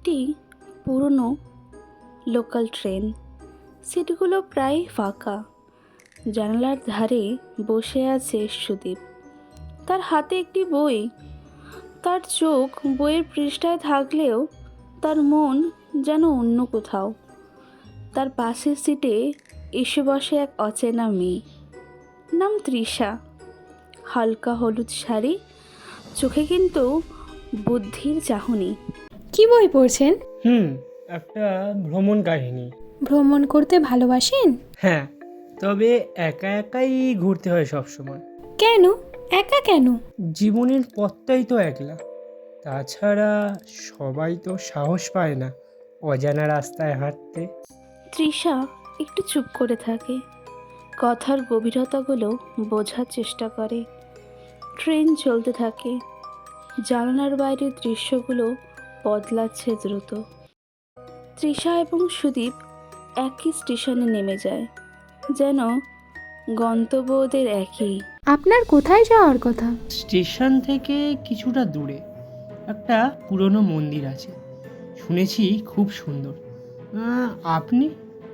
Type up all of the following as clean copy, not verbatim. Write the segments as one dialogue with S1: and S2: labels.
S1: একটি পুরনো local train. সিটগুলো প্রায় ফাঁকা। জানালার ধারে বসে আছে সুদীপ। তার হাতে একটি বই। তার চোখ বইয়ের পৃষ্ঠায় থাকলেও তার মন যেন অন্য কোথাও। তার পাশের সিটে এসে বসে এক অচেনা মেয়ে, নাম তৃষা। হালকা হলুদ শাড়ি, চোখে কিন্তু বুদ্ধির চাহনি।
S2: কি বই পড়ছেন?
S3: একটা ভ্রমণ কাহিনী।
S2: ভ্রমণ করতে ভালোবাসেন?
S3: হ্যাঁ, তবে একা একাই ঘুরতে হয় সব সময়।
S2: কেন? একা কেন?
S3: জীবনের পথটাই তো একলা। তাছাড়া সবাই তো সাহস পায় না অজানা রাস্তায় হাঁটতে।
S1: তৃষা একটু চুপ করে থাকে, কথার গভীরতাগুলো বোঝার চেষ্টা করে। ট্রেন চলতে থাকে, জানালার বাইরের দৃশ্যগুলো বদলাচ্ছে দ্রুত। তৃষা এবং সুদীপ একই স্টেশনে নেমে যায়, যেন গন্তব্য ওদের একই।
S2: আপনার কোথায় যাওয়ার কথা?
S3: স্টেশন থেকে কিছুটা দূরে একটা পুরনো মন্দির আছে, শুনেছি খুব সুন্দর। আপনি?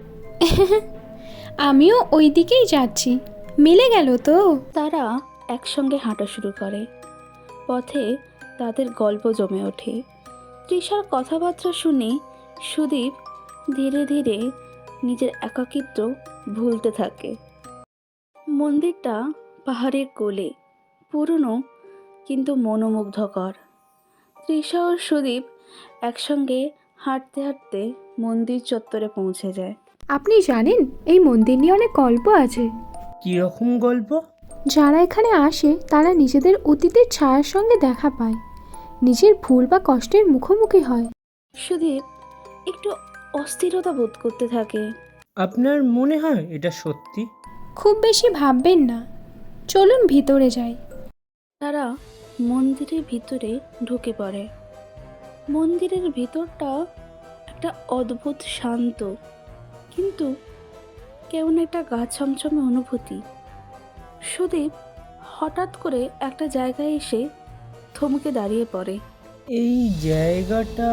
S2: আমিও ওই দিকেই যাচ্ছি। মিলে গেল তো।
S1: তারা একসঙ্গে হাঁটা শুরু করে। পথে তাদের গল্প জমে ওঠে। তৃষার কথাবার্তা শুনে সুদীপ ধীরে ধীরে নিজের একাকিত্ব ভুলতে থাকে। মন্দিরটা পাহাড়ের কোলে, পুরনো কিন্তু মনোমুগ্ধকর। তৃষা ও সুদীপ একসঙ্গে হাঁটতে হাঁটতে মন্দির চত্বরে পৌঁছে যায়।
S2: আপনি জানেন এই মন্দির নিয়ে অনেক গল্প আছে।
S3: কীরকম গল্প?
S2: যারা এখানে আসে তারা নিজেদের অতীতের ছায়ার সঙ্গে দেখা পায়, নিজের ভুল বা কষ্টের মুখোমুখি হয়।
S1: সুদীপ একটু অস্থিরতা বোধ করতে থাকে।
S3: আপনার মনে হয় এটা সত্যি?
S2: খুব বেশি ভাববেন না, চলুন ভিতরে যাই।
S1: তারা মন্দিরের ভিতরে ঢুকে পড়ে। মন্দিরের ভিতরটা একটা অদ্ভুত শান্ত, কিন্তু কেমন একটা গা ছমছমে অনুভূতি। সুদীপ হঠাৎ করে একটা জায়গায় এসে থমকে দাঁড়িয়ে পড়ে।
S3: এই জায়গাটা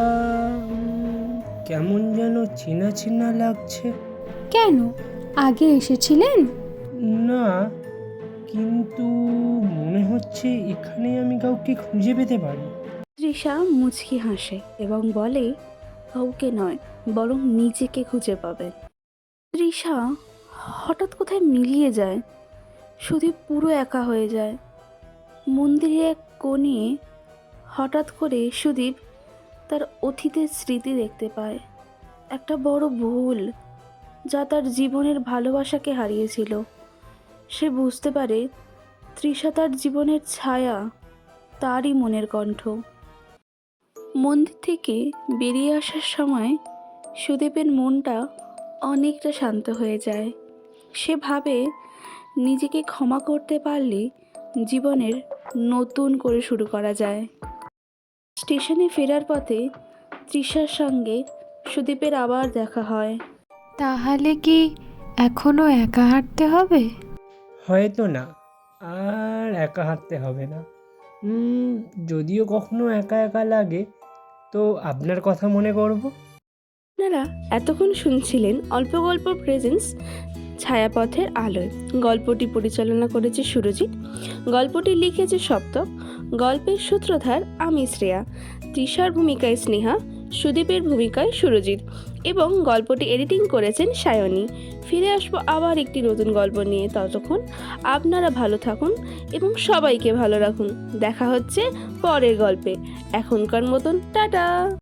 S3: কেমন যেন চেনা চেনা লাগছে।
S2: কেন, আগে এসেছিলেন?
S3: না, কিন্তু মনে হচ্ছে এখানে আমি কাউকে খুঁজে পেতে পারি।
S1: তৃষা মুচকি হাসে এবং বলে, কাউকে নয়, বরং নিজেকে খুঁজে পাবেন। তৃষা হঠাৎ কোথায় মিলিয়ে যায়। সুদীপ পুরো একা হয়ে যায়। মন্দিরের এক কোণে হঠাৎ করে সুদীপ তার অতীতের স্মৃতি দেখতে পায়। একটা বড় ভুল যা তার জীবনের ভালোবাসাকে হারিয়েছিল। সে বুঝতে পারে তৃষা তার জীবনের ছায়া, তারই মনের কণ্ঠ। মন্দির থেকে বেরিয়ে আসার সময় সুদীপের মনটা অনেকটা শান্ত হয়ে যায়। সে ভাবে নিজেকে ক্ষমা করতে পারলে জীবনের নতুন করে শুরু করা যায়। স্টেশনে ফেরার পথে তৃষার সঙ্গে সুদীপের আবার দেখা হয়।
S2: তাহলে কি এখনো একা হাঁটতে হবে?
S3: হয়তো না, আর একা হাঁটতে হবে না। যদিও কখনো একা একা লাগে তো আপনার কথা মনে করব।
S1: আপনারা এতক্ষণ শুনছিলেন অল্প গল্প প্রেজেন্স ছায়াপথের আলোয়। গল্পটি পরিচালনা করেছে সুরজিৎ, গল্পটি লিখেছে সপ্তক, গল্পের সূত্রধার আমি শ্রেয়া, তৃষার ভূমিকায় স্নেহা, সুদীপের ভূমিকায় সুরজিৎ এবং গল্পটি এডিটিং করেছেন সায়নী। ফিরে আসবো আবার একটি নতুন গল্প নিয়ে। ততক্ষণ আপনারা ভালো থাকুন এবং সবাইকে ভালো রাখুন। দেখা হচ্ছে পরের গল্পে। এখনকার মতন টাটা।